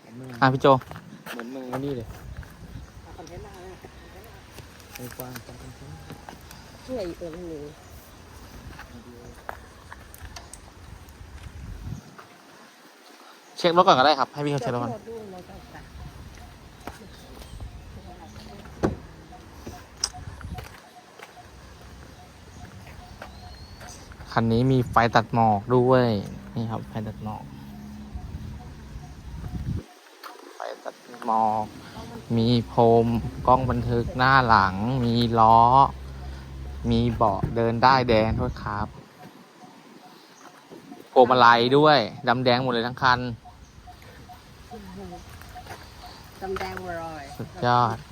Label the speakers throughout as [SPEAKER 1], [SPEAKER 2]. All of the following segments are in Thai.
[SPEAKER 1] พี่โจ
[SPEAKER 2] เหมือนมึงนี่เลย
[SPEAKER 3] คอนเทนต์อะไร
[SPEAKER 2] ไอ้กว้างจังคอนเทนต์
[SPEAKER 3] ช่วยอีกตัวนึง
[SPEAKER 1] เช็ครถก่อนก็ได้ครับให้พี่เขาเช็ครถก่อนคันนี้มีไฟตัดหมอกด้วยนี่ครับไฟตัดหมอกไฟตัดหมอกมีพรมกล้องบันทึกหน้าหลังมีล้อมีเบาะเดินได้แดงด้วยครับพวงมาลัยด้วยดำแดงหมดเลยทั้งคัน
[SPEAKER 3] ดำแดงวรอย
[SPEAKER 1] สุดยอด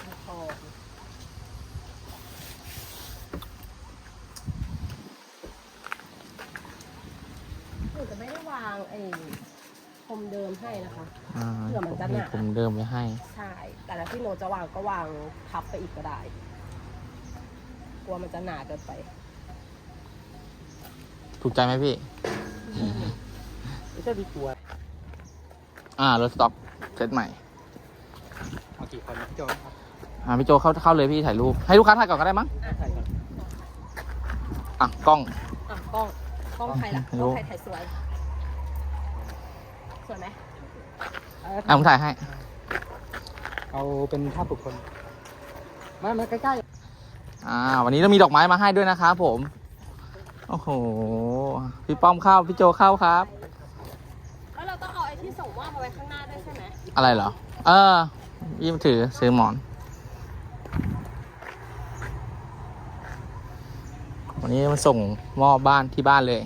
[SPEAKER 3] จะไม่ได้วางพรมเดิมให้นะคะ
[SPEAKER 1] เผื่อมันจะหนาผมเดิมไว้ให้
[SPEAKER 3] ใช่แต่ถ้าพี่โนจะวางก็วางพับไปอีกก็ได้กลัวมันจะหนาเกินไป
[SPEAKER 1] ถูกใจไหมพี่
[SPEAKER 2] ไม่ใช่ดีกลัว
[SPEAKER 1] รถสต็อกเซตใหม่
[SPEAKER 2] เอากี่คนพี่โจครับ
[SPEAKER 1] พี่โจเข้าเลยพี่ถ่ายรูปให้ลูกค้าถ่ายก่อนก็ได้มั้ง
[SPEAKER 2] ถ่ายก่อน
[SPEAKER 1] กล้อง
[SPEAKER 3] ใครล่ะกล้องใครถ่ายสวยไหม
[SPEAKER 1] ผมถ่ายให้
[SPEAKER 2] เอาเป็นภาพบุคคลมาใกล้
[SPEAKER 1] ๆวันนี้เรามีดอกไม้มาให้ด้วยนะครับผมโอ้โหพี่ป้อมเข้าพี่โจเข้าครับ
[SPEAKER 3] แล้วเราต้องเอาไอ้ที่ส่งมอบมาไว้ข้างหน้าด้วยใช่ไหม
[SPEAKER 1] อะไรเหรอยิ้มถือซื้อหมอนวันนี้มาส่งมอบบ้านที่บ้านเลย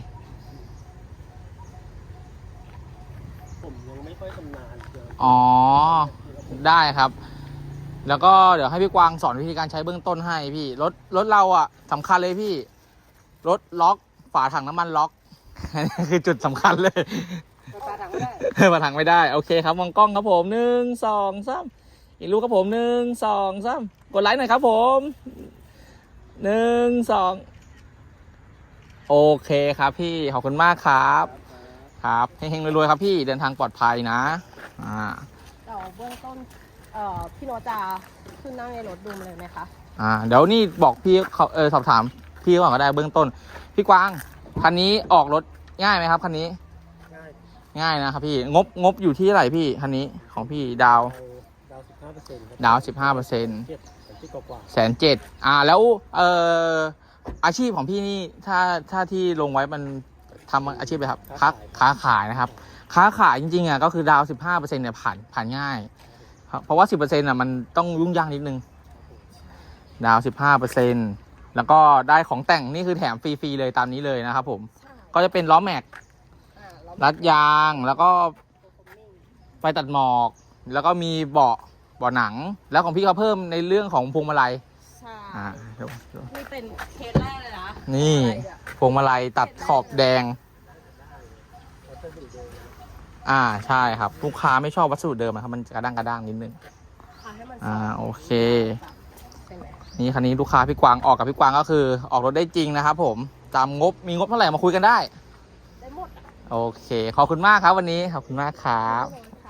[SPEAKER 2] ผมยังไม่ค่อยชำนาญ
[SPEAKER 1] ได้ครับแล้วก็เดี๋ยวให้พี่กวางสอนวิธีการใช้เบื้องต้นให้พี่รถเราสำคัญเลยพี่รถล็อกฝาถังน้ำมันล็อกนี่คือจุดสำคัญเลย
[SPEAKER 3] ฝาถังไม่ได้
[SPEAKER 1] ฝาถังไม่ได้โอเคครับมองกล้องครับผม1 2 3อีกลูกครับผม1 2 3กดไลค์หน่อยครับผม1 2โอเคครับพี่ขอบคุณมากครับครับเฮงๆรวยๆครับพี่เดินทางปลอดภัยนะ
[SPEAKER 3] เราเบื้องต้นพี่โนจะขึ้นนั่งในรถดูเลยไหมคะ
[SPEAKER 1] เดี๋ยวนี่บอกพี่สอบถามพี่ก่อนก็ได้เบื้องต้นพี่กวางคันนี้ออกรถง่ายไหมครับคันนี้ง่ายนะครับพี่งบอยู่ที่เท่าไหร่พี่คันนี้ของพี่ดาว
[SPEAKER 2] 15%ดาว 15%
[SPEAKER 1] 1,700,000แล้วอาชีพของพี่นี่ถ้าที่ลงไว้มันทำอาชีพอะไรครับค้าขายนะครับค้าขายจริงๆก็คือดาว 15% เนี่ยผ่านง่ายเพราะว่า 10% มันต้องยุ่งยากนิดนึงดาว 15%แล้วก็ได้ของแต่งนี่คือแถมฟรีๆเลยตามนี้เลยนะครับผมก็จะเป็นล้อแม็กรัดยางแล้วก็ไฟตัดหมอกแล้วก็มีเบาะหนังแล้วของพี่เขาเพิ่มในเรื่องของพวงมาลัย
[SPEAKER 3] ใช่นี่เป็นเคสแรกเลยนะ
[SPEAKER 1] นี่พวงมาลัยตัดขอบแดงใช่ครับลูกค้าไม่ชอบวัสดุเดิมครับมันกระด้างนิดนึงโอเคนี่คันนี้ลูกค้าพี่กวางออกกับพี่กวางก็คือออกรถได้จริงนะครับผมตามงบมีงบเท่าไหร่มาคุยกันได้
[SPEAKER 3] หมด
[SPEAKER 1] โอเคขอบคุณมากครับวันนี้ขอบคุณมากครับ